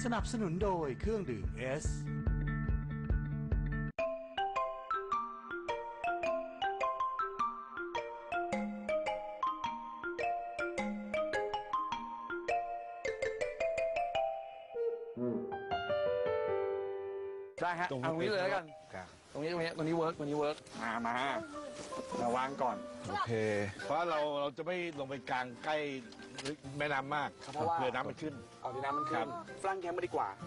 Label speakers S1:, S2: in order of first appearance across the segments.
S1: สนับสนุนโดยเครื่องดื่มเอส
S2: ได้ฮะเอาตรงนี้เลยแล้วกันตรงนี้เวิร์กมาวางก่อน
S3: โอเคเพราะเราจะไม่ลงไปกลางใกล้แม่น้ำมากเพราะว่าเรือน้ำมันขึ้น
S2: เอาที่น้ำมันขึ้นฝรั่งแคมป์มาดีกว่า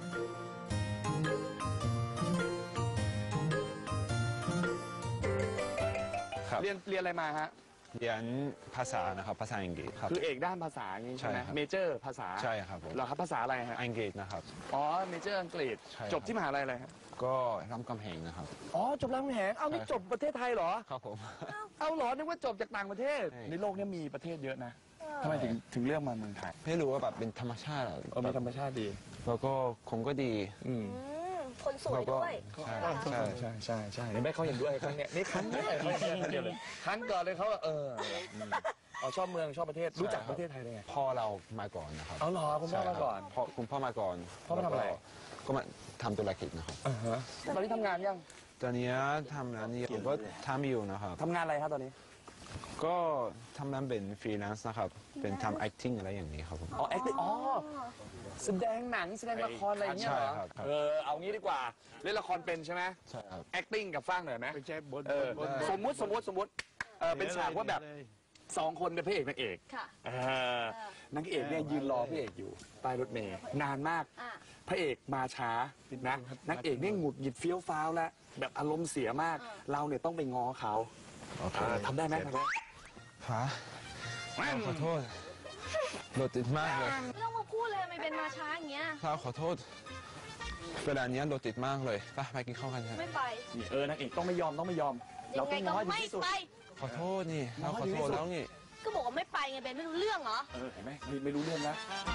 S2: เรียนอะไรมาฮะ
S4: เรียนภาษานะครับภาษาอังกฤษครับ
S2: คือเอกด้านภาษาอย่างนี้ใช่ไหมเมเจอร์ภาษา
S4: ใช่ครับผม
S2: เหรอครับภาษาอะไรฮะ
S4: อังกฤษนะครับ
S2: อ๋อเมเจอร์อังกฤษจบที่มหาลัยอะไรครับ
S4: ก็รามคำแหงนะครับ
S2: อ๋อจบรามคำแหงเอานี่จบประเทศไทยเหรอ
S4: ครับผม
S2: เอาเหรอนึกว่าจบจากต่างประเทศในโลกนี้มีประเทศเยอะนะทำไมถึงเลือกมาเมืองไทย
S4: ไม่รู้ว่าแบบเป็นธรรมชาติ
S2: มีธรรมชาติดี
S4: แล้วก็คงก็ดี
S5: คนสวยด้วย
S4: ใช่
S2: นี่แม่เขาเห็นด้วยครั้งเนี้ยนี่ครั้งแรกเขาเห็นเดียวเลยครั้งก่อนเลยเขาชอบเมืองชอบประเทศรู้จักประเทศไทยได้ไง
S4: พ่อเรามาก่อนนะครับ
S2: เอาหรอคุณพ่อมาก่อน
S4: คุณพ่อมาก่อน
S2: พ่อมาทำอะไร
S4: ก็มาทำธุรกิจนะครับ
S2: ตอนนี้ทำงานยัง
S4: ตอนนี้ทำงานนี้ผมก็ทำอยู่นะครับ
S2: ทำงานอะไรครับตอนนี้
S4: ก็ทำงานเป็นฟรีแลนซ์นะครับเป็นทำ acting อะไรอย่างนี้ครับผม
S2: อ๋อ acting แสดงหนังแสดงละครอะไรอย่างเงี้ยเหรอเอางี้ดีกว่าเล่นละครเป็นใช่ไหม
S4: ใช่ครับ
S2: acting กับฟังหน่อยไหม
S3: ไม่ใช่บน
S2: สมมุติเป็นฉากว่าแบบ2 คนเป็นพระเอกนางเอกนางเอกเนี่ยยืนรอพระเอกอยู่ใต้รถเมล์นานมากพระเอกมาช้านะนางเอกเนี่ยหงุดหงิดเฟี้ยวฟ้าวแล้วแบบอารมณ์เสียมากเราเนี่ยต้องไปง้อเขาทำได้ไหม
S4: ฮะขอโทษรถติดมากเลย
S5: ไม่ต้องมาพูดเลยไม่เป็นมาช้าอย่างเงี้ย
S4: ขอโทษเวลานี้รถติดมากเลยไปกินข้าวกัน
S5: ไม่ไป
S2: นางเอกต้องไม่ยอมเราต้องง้อที่ที่สุด
S4: ขอโทษนี่เราขอโทษแล้วนี่
S5: ก็บอกว่าไม่ไปไงเบนไม่รู้เรื่องเหรอ
S2: เห็นไหมไม่รู้เรื่องนะ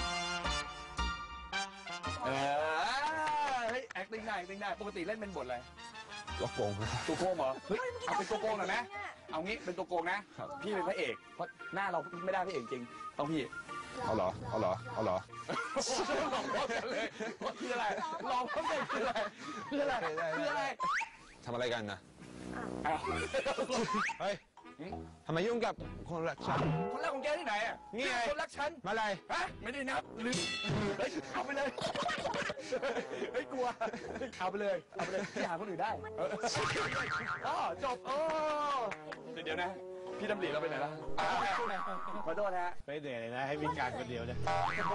S2: เฮ้ย acting ได้ปกติเล่นเป็นบทอะไร
S4: ตัวโกง
S2: ตัวโกงเหรอเฮ้ยเอาเป็นตัวโกงหน่อยไหมเอางี้เป็นตัวโกงนะพี่เป็นพระเอกเพราะหน้าเราไม่ได้พระเอกจริงต้องพี่
S4: เอาเหรอ
S2: เลยคืออะไรลองเขาเป็นคืออะไร
S4: ทำอะไรกันนะเฮ้ยทำไมยุ่งกับคนรักฉัน
S2: คนรักของแกที่ไหนอ่ะ
S4: นี่ไง
S2: คนรักฉัน
S4: มาอะไร
S2: ฮะไม่ได้นับลืมเอาไปเลยเฮ้ยกลัวเอาไปเลยพี่หาคนอื่นได้จบเดี๋ยวนะพี่ดำริเราไปไหนล่ะขอโทษฮะ
S3: ไปเหนื่อยเลยนะให้วิ่งการคนเดียวเลย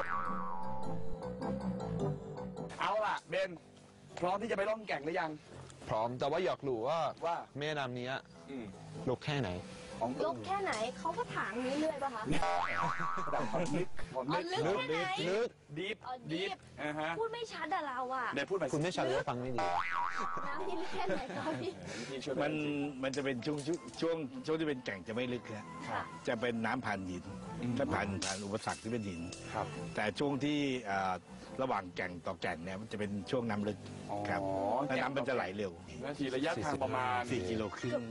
S2: เอาล่ะเบนพร้อมที่จะไปล่องแก่งหรือยัง
S4: พร้อมแต่ว่าอยากรู้ว่าแม่น้ำนี้ลึกแค่ไหน
S5: ลึกแค่ไหนเขาก็ถามนี้เรื่อยป่ะคะ
S2: ดับความลึก
S5: ลึก
S2: ดีฟ
S5: พูดไม่ชัดอะเราอะ
S2: เดี๋ยวพูดไป
S4: คุณไม่ชัดหรือฟังไม่ดี
S5: น้ำนี่ลึกแค่ไหนคะพี่
S3: มันจะเป็นช่วงที่เป็นแก่งจะไม่ลึกนะจะเป็นน้ำผ่านหินถ้าผ่านอุปสรรคที่เป็นหินแต่ช่วงที่ระหว่างแก่งต่อแก่งเนี่ยมันจะเป็นช่วงน้ำลึกครับน้ำมันจะไหลเร็ว
S2: ระยะทางประมาณ
S3: 4 กิโลครึ่ง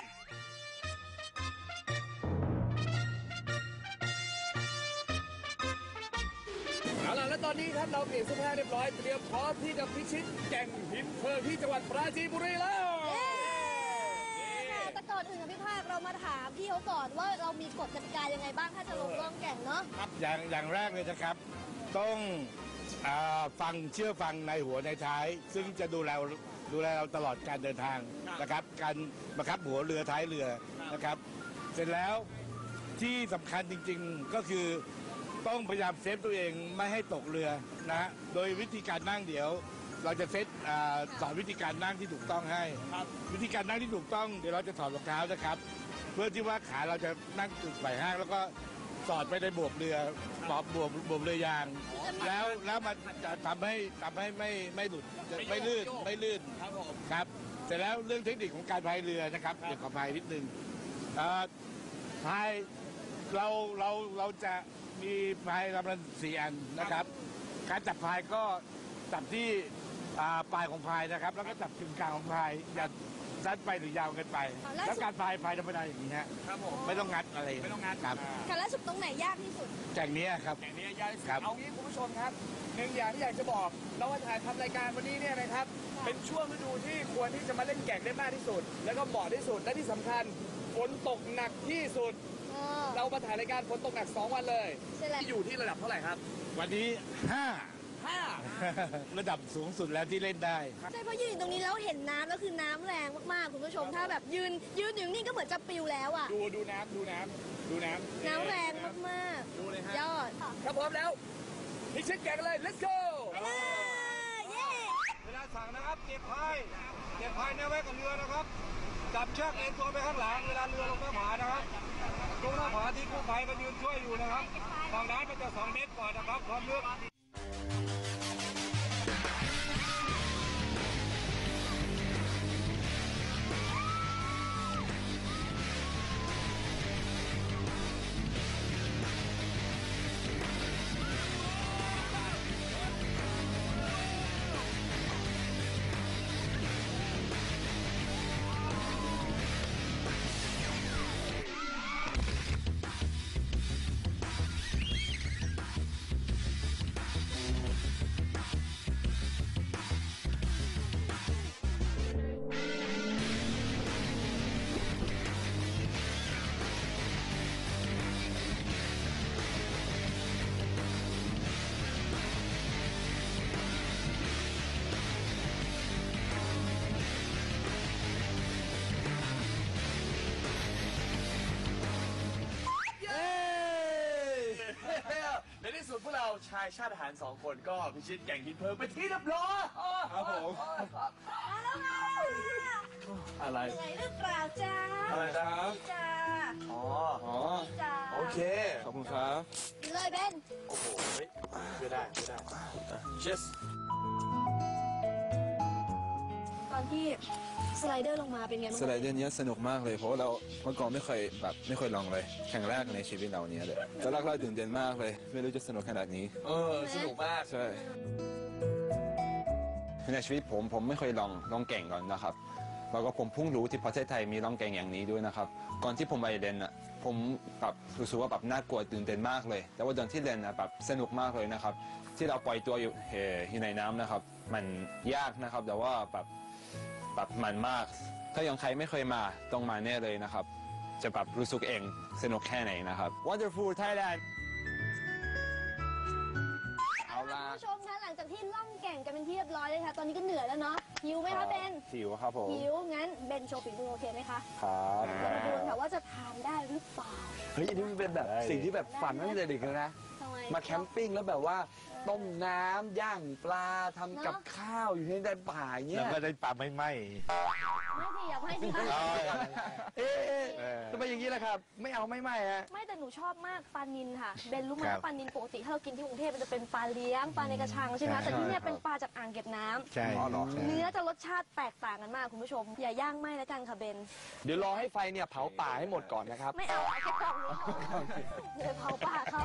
S2: เอาล่ะและตอนนี้ครับเราเปลี่ยนเสื้อผ้าเรียบร้อยเตรียมพร้อมที่จะพิชิตแก่งหินเพลิงที่จังหวัดปราจีนบุรีแล้ว
S5: แต่ก่อนอื่นพี่ภาคเรามาถามพี่เขาก่อนว่าเรามีกฎกติกายังไงบ้างถ้าจะลงล่องแก่งเนาะ
S3: ครับอย่างแรกเลยนะครับต้องเชื่อฟังในหัวในท้ายซึ่งจะดูแลเราตลอดการเดินทางนะครับการบังคับหัวเรือท้ายเรือนะครับเสร็จแล้วที่สำคัญจริงๆก็คือต้องพยายามเซฟตัวเองไม่ให้ตกเรือนะโดยวิธีการนั่งเดี๋ยวเราจะสอนวิธีการนั่งที่ถูกต้องให้วิธีการนั่งที่ถูกต้องเดี๋ยวเราจะถอดรองเท้านะครับเพื่อที่ว่าขาเราจะนั่งจุดไหล่ห้างแล้วก็สอดไปในบวบเรือบวบเรือยางแล้วมันจะทำให้ไม่หลุดไม่ลื่นครับเสร็จแล้วเรื่องเทคนิคของการพายเรือนะครับเดี๋ยวขอพายนิดนึงพายเราจะมีพายลำละ4 อันนะครับการจับพายก็จับที่ปลายของพายนะครับแล้วก็จับกึ่งกลางของพายสั้นไปหรือยาวเกินไป แล้วการพายธรรมดาอย่างนี้ฮะ
S2: ครับผม
S3: ไม่ต้องงัดอะไร
S2: ไม่ต้องงัด
S3: ครับ
S5: ค่ะแล้วสุดตรงไหนยากที่สุด
S3: แข่งนี้ครับ
S2: อย่างนี้ยากที่สุด
S3: ครับ
S2: เอางี้คุณผู้ชมครับหนึ่งอย่างที่อยากจะบอกเราว่าถ่ายทำรายการวันนี้เนี่ยนะครับ เป็นช่วงฤดูที่ควรที่จะมาเล่นแก่งได้มากที่สุด แล้วก็เหมาะที่สุดและที่สำคัญฝนตกหนักที่สุด เรามาถ่ายรายการฝนตกหนัก 2 วันเลย
S5: ใช่แล้ว
S2: ที่อยู่ที่ระดับเท่าไหร่ครับ
S3: วันนี้
S2: 5
S3: ระดับสูงสุดแล้วที่เล่นได้
S5: ใช่เพราะยืนอยู่ตรงนี้แล้วเห็นน้ำแล้วคือน้ำแรงมากๆคุณผู้ชมถ้าแบบยืนอยู่นี่ก็เหมือนจะปิวแล้วอ่ะ
S2: ดูน้ำ
S5: น้ำแรงมาก
S2: ดูเลยฮะ
S5: ๆยอด
S2: ถ้าพร้อมแล้วพิชิตแก่งกันเลย let's go
S5: ไปเลยเย้
S4: เวลาสั่งนะครับเก็บพายแนวไว้กับเรือนะครับ จับเชือกเอ็นตัวไปข้างหลังเวลาเรือลงหน้าผานะครับลงหน้าผาที่กู้ภัยมายืนช่วยอยู่นะครับฝั่งน้ำมันจะ2 เมตรกว่านะครับความลึก
S2: ในที่สุดพวกเราชายชาติทหาร2 คนก็พิชิตแก่งหินเพลิงไปที่เรียบร้อย
S3: ครับผม
S5: มาแล้วค่ะ
S2: อะไร
S5: เหนื่อยหรือเปล่าจ้า
S2: อะไรนะครับ
S5: จ้า
S2: อ๋อ
S5: จ้า
S2: โอเค
S4: ขอบคุณครับ
S5: เลยเบน
S2: โอ้โหเฮ้ยไม่ได้ yes
S5: ตอนที่สไลเดอร์ลงมาเป็นไงบ้าง
S4: สไลเดอร์เนี้ยสนุกมากเลยเพราะว่าเราเมื่อก่อนไม่เคยลองเลยแข่งแรกในชีวิตเราเนี้ยเลยตอนแรกเราตื่นเต้นมากเลย ไม่รู้จะสนุกขนาดนี้
S2: สนุกมาก
S4: ใช่ในชีวิตผมไม่เคยลองแก่งก่อนนะครับแล้วก็ผมเพิ่งรู้ที่ประเทศไทยมีลองแก่งอย่างนี้ด้วยนะครับก่อนที่ผมไปเรียนอ่ะผมแบบรู้สึกว่าแบบน่ากลัวตื่นเต้นมากเลย แต่ว่าตอนที่เรียนอ่ะแบบสนุกมากเลยนะครับที่เราปล่อยตัวอยู่ในน้ำนะครับมันยากนะครับแต่ว่าแบบมันมาก ถ้ายังใครไม่เคยมาต้องมาแน่เลยนะครับ จะแบบรู้สึกเองสนุกแค่ไหนนะครับ Wonderful Thailand เอาล่ะ
S5: คุณผู้ชมคะหลังจากที่ล่องแก่งกันเป็นที่เรียบร้อยเลยค่ะ ตอนนี้ก็เหนื่อยแล้วเนาะหิวไหมคะเบน
S4: หิวครับผม
S5: หิวงั้นเบนโชว์ฝีมือโอเคไหมคะ
S4: ครับ
S5: เรามาดูกันค่ะว่าจะทานได้หรือเปล่า
S2: เฮ้ยอันนี้มันเป็นแบบสิ่งที่แบบฝันตั้งแต่เด็กเลยนะ
S5: ทำไม
S2: มาแคมปิ้งแล้วแบบว่าต้มน้ำย่างปลาทำกับข้าวอยู่ในป่าอย่างเงี้
S3: แล้ว
S2: ย
S3: ก็ได้ปลาไม่ไหม
S5: ไม่สิอยากให้สิคะ
S2: เอ๊ะทำไมอย่างนี้ล่ะครับ ไม่เอาไม่ฮะ
S5: ไม่แต่หนูชอบมากปลานิลค่ะเบนรู้ไหม
S3: ครับ
S5: ว่าปลานิลปกติถ้าเรากินที่กรุงเทพมันจะเป็นปลาเลี้ยงปลาในกระชังใช่ไหม
S3: ใช่
S5: แต่ที่เนี่ยเป็นปลาจากอ่างเก็บน้ำ
S3: ใช่
S2: อ๋อเหรอ
S3: ใช่
S5: เนื้อจะรสชาติแตกต่างกันมากคุณผู้ชม อย่าย่างไหม้แล้วกันค่ะเบน
S2: เดี๋ยวรอให้ไฟเนี่ยเผาป่าให้หมดก่อนนะครับ
S5: ไม่เอาแค่กล่องนี้พอเดี๋ยวเผาป่าเขา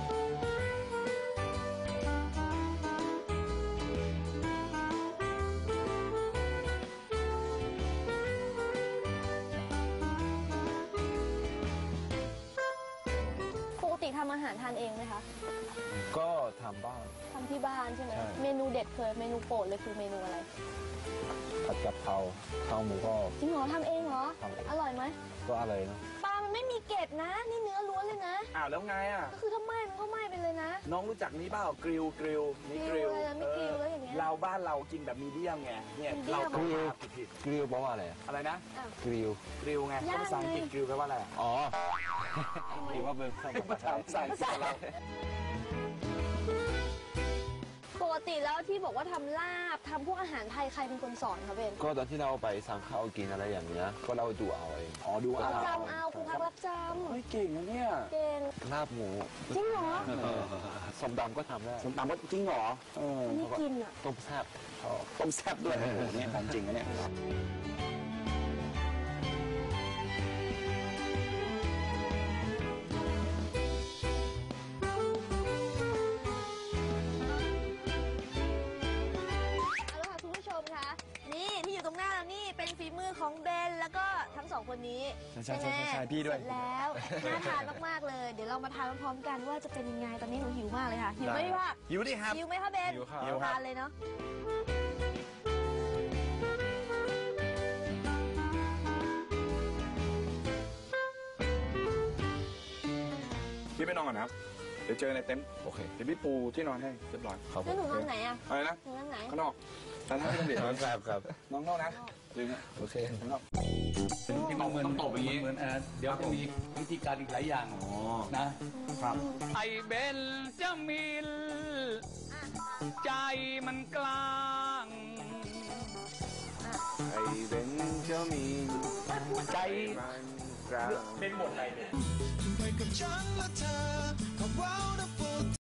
S5: ปกติทำอาหารทานเองไหมคะ
S4: ก็ทำบ้าง
S5: ทำที่บ้านใช่ไหม
S4: ใช่
S5: เมนูเด็ดเคยเมนูโปรดเลยคือเมนูอะไร
S4: ผัดกะเพราข้าวหมูก็
S5: จริงเหรอทำเองเหรอ
S4: ทำเอง
S5: อร่อยไหม
S4: ก็อะไรเนาะ
S5: ปลามันไม่มีเกล็ดนะ นี่เนื้อล้วนเลยนะ
S2: อ้าวแล้วไงอ่ะ
S5: ก็คือถ้าไหม้มันก็ไหม้ไปเลยนะ
S2: น้องรู้จักนี้เปล่ากริลนี่ก
S5: กริ
S2: ริ
S5: ล
S2: ล
S5: อะไรนะไม่กริลแล้วอย่างเงี้ย
S2: เราบ้านเรากินแบบมีเดียมไงเนี่ย
S5: มีเดียม
S2: เราก็มาผิด
S4: กริลแปลว่าอะไรอะ
S2: อะไรนะ
S4: กริล
S2: กริลไง
S5: ย่าง
S2: ภาษาอังกฤษ
S5: ไง
S2: กริลแปลว่าอะไรอะ
S4: อ๋อคิดว่าเป็นภา
S2: ภาษา
S4: ษา
S2: ภาษาอังกฤษเรา
S5: ปกติแล้วที่บอกว่าทำลาบทำพวกอาหารไทยใครเป็นคนสอนคะเบน
S4: ก็ตอนที่เราไปสั่งข้าวกินอะไรอย่างเงี้ยก็เราดูเอาเอง
S2: อ๋อดู
S5: รับ
S2: เอา
S5: จำเอาคุณพักรับจ
S2: เฮ้ยเก่งนะเนี่ย
S5: ำเก่ง
S4: ลาบหมู
S5: จริงเหรอ
S4: สมดำก็ทำได้
S2: สมตำว่าจริงเหรอ
S5: นี่กินอ่ะ
S4: ต้มแซ่บ
S2: ต้มแซ่บด้วยโอ้โหเนี่ยของจริงนะเนี่ย
S5: เอาละค่ะคุณผู้ชมคะนี่ที่อยู่ตรงหน้าเรานี่เป็นฝีมือของเบคนนี้
S2: ใช่
S5: ไหม
S2: ใช่พี่ด้วย
S5: เสร็จแล้วน่าทานมากๆเลย เดี๋ยวเรามาทานพร้อมๆกันว่าจะเป็นยังไงตอนนี้หนูหิวมากเลยค่ะหิวไหมพี่ภาค
S2: หิวดิครับ
S5: หิวไหมคะเบน
S2: หิวครับ
S5: ทานเลยเนาะ
S2: พี่ไปนอนก่อนนะครับเดี๋ยวเจอในเต็นท์โอเคเดี๋ยวพี่ปูที่นอนให้เรียบร้อย
S5: แล้วหนูนอนไหนอ่ะ
S2: อะไรนะ
S5: หนูนอนไหน
S2: ข้างนอกแต่ถ้าพี่ต้องเดี๋ยว
S3: ครับ
S2: น้องนอกนะลืมนะ
S3: โอเค
S2: ข้างนอก
S6: ที่มันต้องตบอย่างนี้เหมือนเดี๋ยวจะมีวิธีการอีกหลายอย่างนะครับ ไอเบนจะมีใจมันกลาง
S2: ไอ้เบนเจ้ามี
S6: ใจ
S2: มันกลาง
S6: เป็นหมดอะไรเนี่ย
S7: ไปกับฉันและเธอ